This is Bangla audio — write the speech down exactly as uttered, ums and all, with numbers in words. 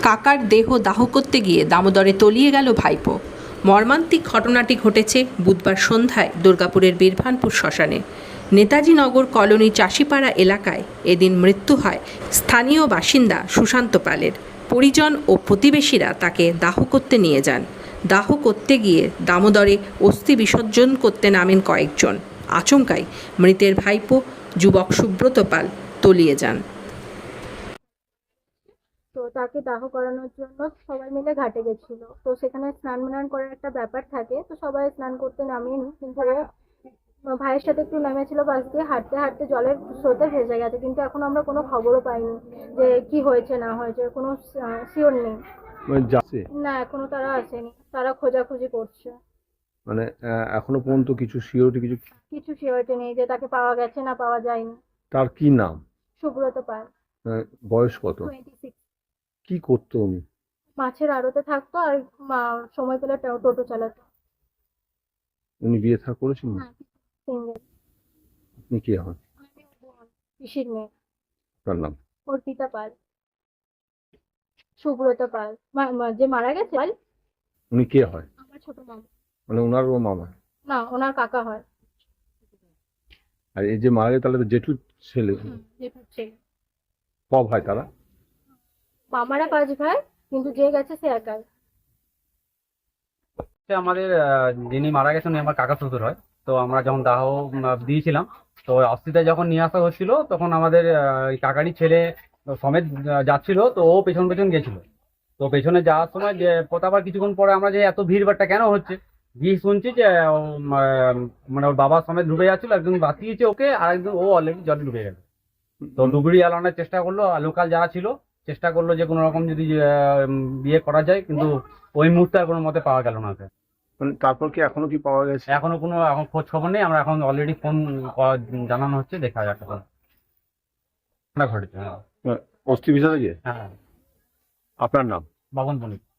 কাকার দেহ দাহ করতে গিয়ে দামোদরে তলিয়ে গেল ভাইপো। মর্মান্তিক ঘটনাটি ঘটেছে বুধবার সন্ধ্যায় দুর্গাপুরের বীরভানপুর শ্মশানে। নেতাজি নগর কলোনি চাষিপাড়া এলাকায় এদিন মৃত্যু হয় স্থানীয় বাসিন্দা সুশান্ত পালের। পরিজন ও প্রতিবেশীরা তাকে দাহ করতে নিয়ে যান। দাহ করতে গিয়ে দামোদরে অস্থি বিসর্জন করতে নামেন কয়েকজন। আচমকাই মৃতের ভাইপো যুবক সুব্রত পাল তলিয়ে যান। তো তাকে দাহ করানোর জন্য সবাই মিলে ঘাটে গেছিল। তো সেখানে স্নান ম্নান করার একটা ব্যাপার থাকে, তো সবাই স্নান করতে নামেনি, কিন্তু ও ভাইয়ের সাথে একটু নেমেছিল পাশ দিয়ে, হাঁটতে হাঁটতে জলের স্রোতে ভেসে গেছে। কিন্তু এখন আমরা কোনো খবরও পাইনি যে কি হয়েছে না হয়েছে, কোনো শিওর নেই। মানে যাচ্ছে না, এখনো তারা আসেনি, তারা খোঁজাখুঁজি করছে। মানে আহ, এখনো পর্যন্ত কিছু সিওরিটি কিছু কিছু শিওরিটি নেই যে তাকে পাওয়া গেছে না পাওয়া যায়নি। তার কি নাম? সুব্রত পাল, আহ, বয়স কত? Twenty six. কি করতো উনি? মাছের আড়তে থাকতো আর মা- সময় পেলে টো- টোটো চালাতো। উনি বিয়ে থা করেছেন? সিঙ্গেল। আপনি কি হন? পিসির মেয়ে। তার নাম? অর্পিতা পাল। সুব্রত পাল মা- মা- যে মারা গেছে পাল উনি কে হয়? আমার ছোট মামা। মানে ওনারও মামা? না, ওনার কাকা হয়। আর এই যে মারা গেছে তাহলে তো জেঠুর ছেলে। জেঠুর ছেলে। ক ভাই তারা? মামারা পাঁচ ভাই, কিন্তু যে গেছে সে একাই। হচ্ছে আমাদের আহ, যিনি মারা গেছেন উনি আমার কাকা শ্বশুর হয়। তো আমরা যখন দাহ উম, দিয়েছিলাম, তো অস্থিতে যখন নিয়ে আসা হচ্ছিল তখন আমাদের আহ, এই কাকারই ছেলে সমেত আহ, যাচ্ছিল, তো ও পেছন পেছন গেছিল। তো পেছনে যাওয়ার সময় যে আবার কিছুক্ষণ পরে আমরা যে এত ভিড়ভাট্টা কেন হচ্ছে, গিয়ে শুনছি যে ও, আহ, মানে ওর বাবা সমেত ডুবে যাচ্ছিল, একজন বাঁচিয়েছে ওকে আর একজন ও অলরেডি জলে ডুবে গেল। তো ডুবুরি আলানোর চেষ্টা করলো, লোকাল যারা ছিল চেষ্টা করলো যে কোনো রকম যদি আহ, বিয়ে করা যায়, কিন্তু ওই মুহূর্তে আর কোনো মতে পাওয়া গেল না ওকে। মানে তারপর কি এখনো কি পাওয়া গেছে? এখনো কোনো এখন খোঁজ খবর নেই। আমরা এখন অলরেডি ফোন জানানো হচ্ছে, দেখা যাক এখন ঘটেছে। হ্যাঁ, আহ, অস্থি বিসর্জন? হ্যাঁ। আপনার নাম? বাবন বণিক।